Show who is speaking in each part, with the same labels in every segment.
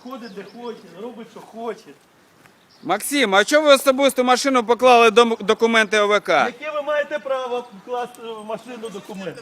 Speaker 1: ходить де хоче, робить, що хоче.
Speaker 2: Максим, а чого ви особисту машину поклали документи ОВК?
Speaker 1: Яке ви маєте право вкласти в машину документи?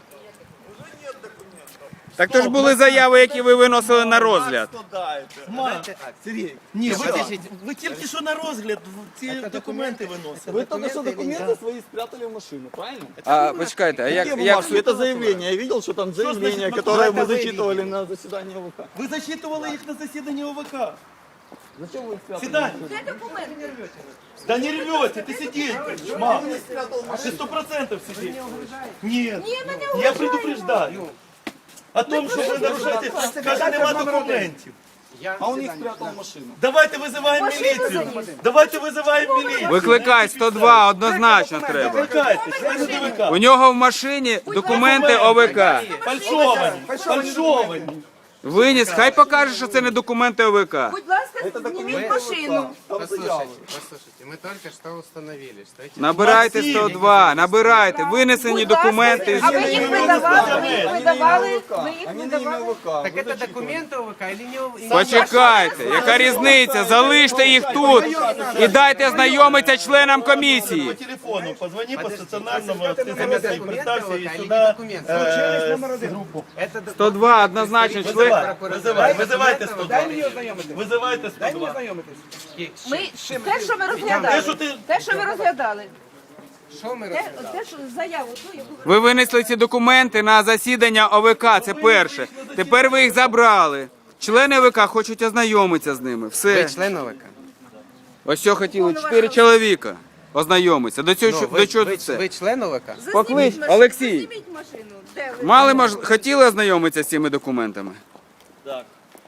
Speaker 2: Так то ж були заяви, які ви виносили на розгляд.
Speaker 1: Сергій, ні, ви тільки що на розгляд ці документи виносили.
Speaker 3: Вы только что документы свои спрятали в машину, правильно?
Speaker 2: А почекайте, а
Speaker 3: Какие
Speaker 2: як
Speaker 3: бумажки? Это заявление. Я видел, что там заявление,
Speaker 1: значит
Speaker 3: которое мы
Speaker 1: документы
Speaker 3: зачитывали на заседании ОВК.
Speaker 1: Ви зачитували їх на засіданні ОВК.
Speaker 3: Зачем вы их спрятали?
Speaker 1: Сідай.
Speaker 4: Де документи?
Speaker 1: Да не рвете, ты сидишь, мам. Ты 100% сидишь. Нет, я предупреждаю. О том, що ви нарушаєте, каже, нема документів.
Speaker 3: А он их спрятал в машину.
Speaker 1: Давайте визиваємо міліцію. Давайте визиваємо міліцію.
Speaker 2: викликай 102, однозначно треба.
Speaker 1: Викликайте, члени ДВК.
Speaker 2: У нього в машині документи ОВК.
Speaker 1: Фальшовані, фальшовані.
Speaker 2: Виніс, хай покаже, що це не документи ОВК.
Speaker 4: Будь ласка, зніміть машину.
Speaker 5: Послушайте, мы только что установили, что эти...
Speaker 2: Набирайте 102, набирайте, винесені
Speaker 4: Будь ласка,
Speaker 2: документи.
Speaker 4: а ви їх видавали? Ви їх видавали? Ви їх
Speaker 3: Они на имя
Speaker 4: видавали?
Speaker 3: ОВК.
Speaker 5: Так это документы ОВК или не...
Speaker 2: Почекайте, яка різниця? Залиште їх тут і дайте знайомитися членам
Speaker 1: По
Speaker 2: комісії.
Speaker 1: телефону, позвони по стационарному, ты
Speaker 5: Это
Speaker 1: заметай,
Speaker 5: документы
Speaker 1: представься и
Speaker 5: ОВК или
Speaker 1: сюда
Speaker 5: документы?
Speaker 1: группу.
Speaker 5: Это документы.
Speaker 2: 102, однозначно член.
Speaker 1: Визивайте 102. Визивайте 102.
Speaker 4: Ми те, що ми
Speaker 1: Те,
Speaker 4: розглядали.
Speaker 1: що ти...
Speaker 4: Те, що ви розглядали.
Speaker 5: Что мы
Speaker 4: Те, що заяву, ту, яку
Speaker 2: Ви винесли ці документи на засідання ОВК, це перше. Тепер ви їх забрали. Члени ОВК хочуть ознайомитися з ними. Все.
Speaker 5: Вы член ОВК?
Speaker 2: Ось що хотіли 4 чоловіка ознайомитися. До цього, до чого це?
Speaker 5: Вы член ОВК?
Speaker 2: Поклич,
Speaker 4: машину.
Speaker 2: Олексій.
Speaker 4: Засніміть машину. Де ви?
Speaker 2: Мали хотіли ознайомитися з цими документами?
Speaker 1: Так.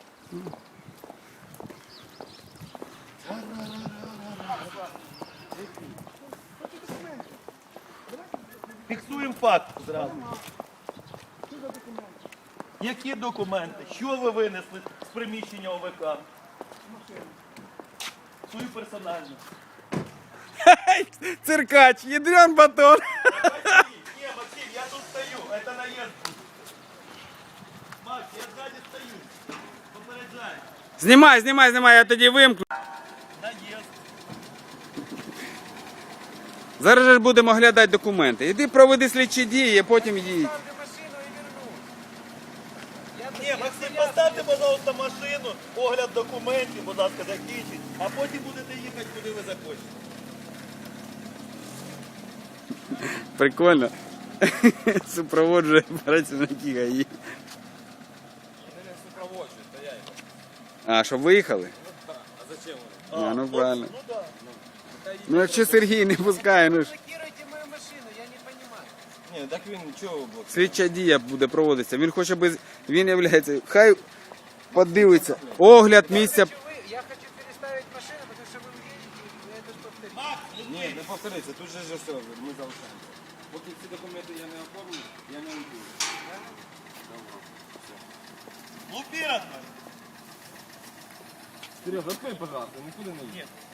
Speaker 1: Фіксуємо факт зразу. Які документи? Що ви винесли з приміщення ОВК? Свою персональну.
Speaker 2: Циркач, ядрен батон.
Speaker 1: Ні, Максим, я тут стою. Это наезд. Макс, я сзади стою. Попереджаю.
Speaker 2: Знімай, знімай, знімай, я тоді вимкну.
Speaker 1: Наезд.
Speaker 2: Зараз же ж будемо оглядати документи. Іди проведи слідчі дії, а потім їдь.
Speaker 1: Ні, Максим, поставте, пожалуйста, машину, огляд документів, будь ласка, закінчіть, а потім будете їхати, куди ви захочете.
Speaker 2: Прикольно. Супроводжує працівники ГАІ. А, щоб виїхали? А зачем вони? Ну правильно.
Speaker 1: Ну так.
Speaker 2: Ну якщо Сергій не пускає, ну ж.
Speaker 5: Блокируйте мою машину, я не понимаю.
Speaker 3: Ні, так він чого блок?
Speaker 2: Слідча дія буде проводитися. Він хоче без. Він являється. Хай подивиться. Огляд місця.
Speaker 5: Я хочу переставить машину, потому что вы уедете, и это повторится.
Speaker 3: Ні, не повториться, тут же все, ми залишаємося. Поки ці документи я не оформлю, я не уйду.
Speaker 1: Лупи, родной.
Speaker 3: Сережа, открой, пожалуйста, нікуди не йди.